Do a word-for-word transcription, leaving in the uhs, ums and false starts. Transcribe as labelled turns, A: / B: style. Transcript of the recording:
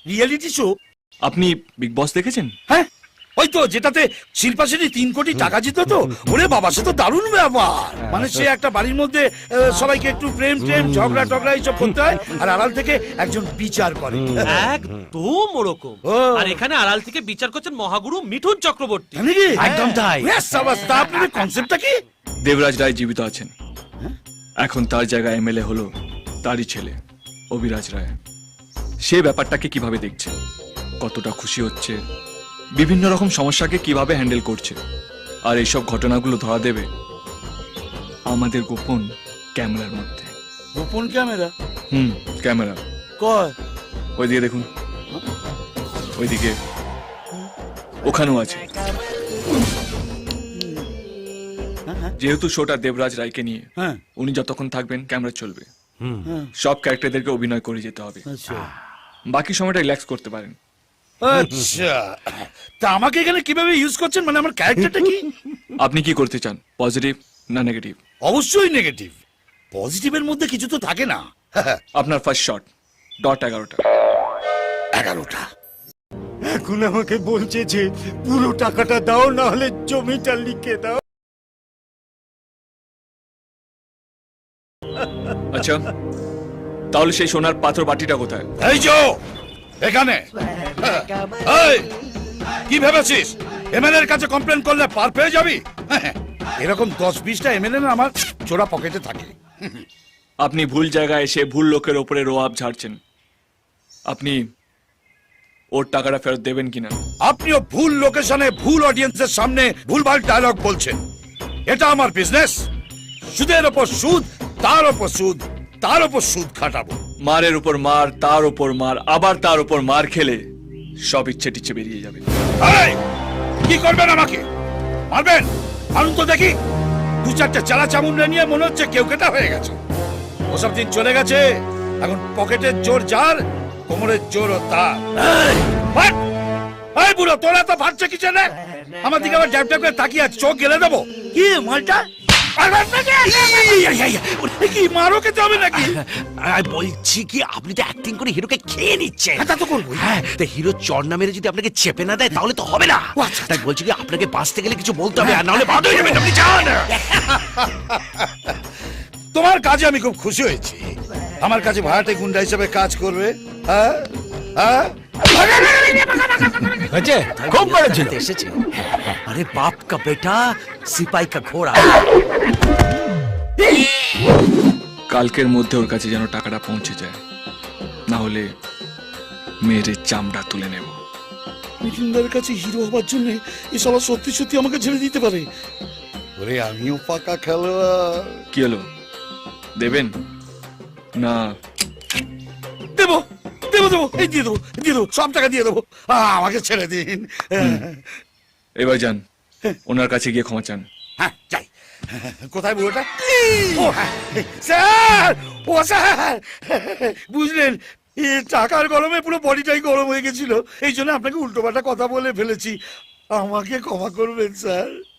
A: Reality show?
B: আপনি বিগ বস দেখেছেন?
A: হ্যাঁ, ওই তো যেটাতে শিল্পা শেঠি তিন কোটি টাকা জিত তো। ওরে বাবা, সে তো দারুণ ব্যাপার। মানে সে একটা বাড়ির মধ্যে আহ, সবাইকে একটু প্রেম প্রেম ঝগড়া টগড়া এইসব করতে হয়, আর আড়াল থেকে একজন বিচার করে।
C: একদম ওরকম।
A: ও।
C: আর এখানে আড়াল থেকে বিচার করছেন মহাগুরু মিঠুন চক্রবর্তী।
A: জানি কি?
C: একদম তাই।
A: ব্যাস, সাবাস। তা আপনাদের কনসেপ্টটা কি?
B: দেবরাজ রায় জীবিত আছেন, এখন তার জায়গায় এমএলএ হলো তারই ছেলে অভিরাজ রায়। সে ব্যাপারটাকে কিভাবে দেখছে, কতটা খুশি হচ্ছে, বিভিন্ন রকম সমস্যাকে কিভাবে হ্যান্ডেল করছে, আর এইসব ঘটনাগুলো ধরা দেবে আমাদের গোপন ক্যামেরার মধ্যে।
A: গোপন ক্যামেরা?
B: হুম, ক্যামেরা।
A: কয়?
B: ওইদিকে দেখুন, ওইদিকে, ওখানেও আছে। যেহেতু শোটা দেবরাজ রায়কে নিয়ে,
A: হ্যাঁ।
B: উনি যতক্ষণ থাকবেন ক্যামেরা চলবে।
A: হ্যাঁ।
B: সব ক্যারেক্টারদেরকে অভিনয় করে যেতে হবে,
A: আচ্ছা
B: বাকি সময়টা রিল্যাক্স করতে পারেন।
A: আচ্ছা, তা আমাকে এখানে কিভাবে ইউজ করছেন? মানে আমার ক্যারেক্টারটা কি?
B: আপনি কি করতে চান, পজিটিভ না নেগেটিভ?
A: অবশ্যই নেগেটিভ। পজিটিভের মধ্যে কিছু তো থাকে না।
B: আপনার ফার্স্ট শট, ডট এগারোটা।
A: এগারোটা?
D: এখন আমাকে বলছে যে পুরো টাকাটা দাও, না হলে জমিটা লিখে দাও।
B: আচ্ছা, তাহলে সেই সোনার পাথর বাটিটা কোথায়?
A: এই যো এখানে। এই, কি ভেবেছিস এমএলএর কাছে কমপ্লেন করলে পার পেয়ে যাবি? এরকম দশ বিশটা এমএলএ না আমার চোরা পকেটে থাকে।
B: আপনি ভুল জায়গায় এসে ভুল লোকের ওপরে রোয়াব ঝাড়ছেন। আপনি ওর টাকাটা ফেরত দেবেন কিনা?
A: আপনিও ভুল লোকেশনে ভুল অডিয়েন্সের সামনে ভুলভাল ডায়লগ বলছেন। এটা আমার বিজনেস। সুদের ওপর সুদ, তার ওপর সুদ, তার ওপর সুদ খাটাবো।
B: মারের উপর মার, তার উপর মার, আবার তার উপর মার খেলে সব ইচ্ছে টিচ্ছে বেরিয়ে যাবে।
A: এই, কি করবেন আমাকে? মারবেন? মারুন তো দেখি। দু চারটে চালা চামুন্ডা নিয়ে মনে হচ্ছে কেউ কেটা হয়ে গেছে। ওসব দিন চলে গেছে। এখন পকেটের জোর যার, কোমরের জোর ও তার। এই, ফাট! এই বুড়ো, তোরা তো ফাটছে কি জন্য? আমার দিকে আবার ড্যাব ড্যাব করে তাকিয়ে আছে, চোখ গেলে দেবো। কি মালটা? কি মারো খেতে হবে নাকি?
E: বলছি কি, আপনি তো অ্যাক্টিং করে হিরোকে খেয়ে নিচ্ছেন।
A: তা তো করবো।
E: হ্যাঁ, তা হিরো চড়না মেরে যদি আপনাকে চেপে না দেয় তাহলে তো হবে না।
A: ও আচ্ছা,
E: তাই বলছি কি, আপনাকে বাঁচতে গেলে কিছু বলতে হবে, আর নাহলে বাদ হয়ে যাবেন। আপনি যান।
A: তোমার কাজে আমি খুব খুশি হয়েছি। আমার কাছে ভাড়াটে গুন্ডা হিসেবে কাজ করবে। হ্যাঁ হ্যাঁ,
E: খুব করেছেন। এসেছে। আরে বাপ কা বেটা, সিপাই কা ঘোড়া।
B: কালকের মধ্যে ওর কাছে যেন টাকাটা পৌঁছে যায়, না হলে মেয়ের চামড়া তুলে নেব।
A: মিঠুনদার কাছে হিরো হবার জন্য এই সবার সত্যি সত্যি আমাকে ছেড়ে দিতে পারে। ওরে, আমিও পাকা খেলোয়াড়।
B: কি হলো, দেবেন না?
A: দেবো দেবো দেবো, এই দিয়ে দেবো, দিয়ে দেবো, সব টাকা দিয়ে দেবো। আহ, আমাকে ছেড়ে দিন।
B: এবার যান, ওনার কাছে গিয়ে ক্ষমা চান।
A: হ্যাঁ, যাই। কোথায় বুড়োটা? ও হ্যাঁ, স্যার, ও স্যার, বুঝলেন, এ টাকার গরমে পুরো বডিটাই গরম হয়ে গেছিল। এই জন্য আপনাকে উল্টোপাল্টা কথা বলে ফেলেছি। আমাকে ক্ষমা করবেন স্যার।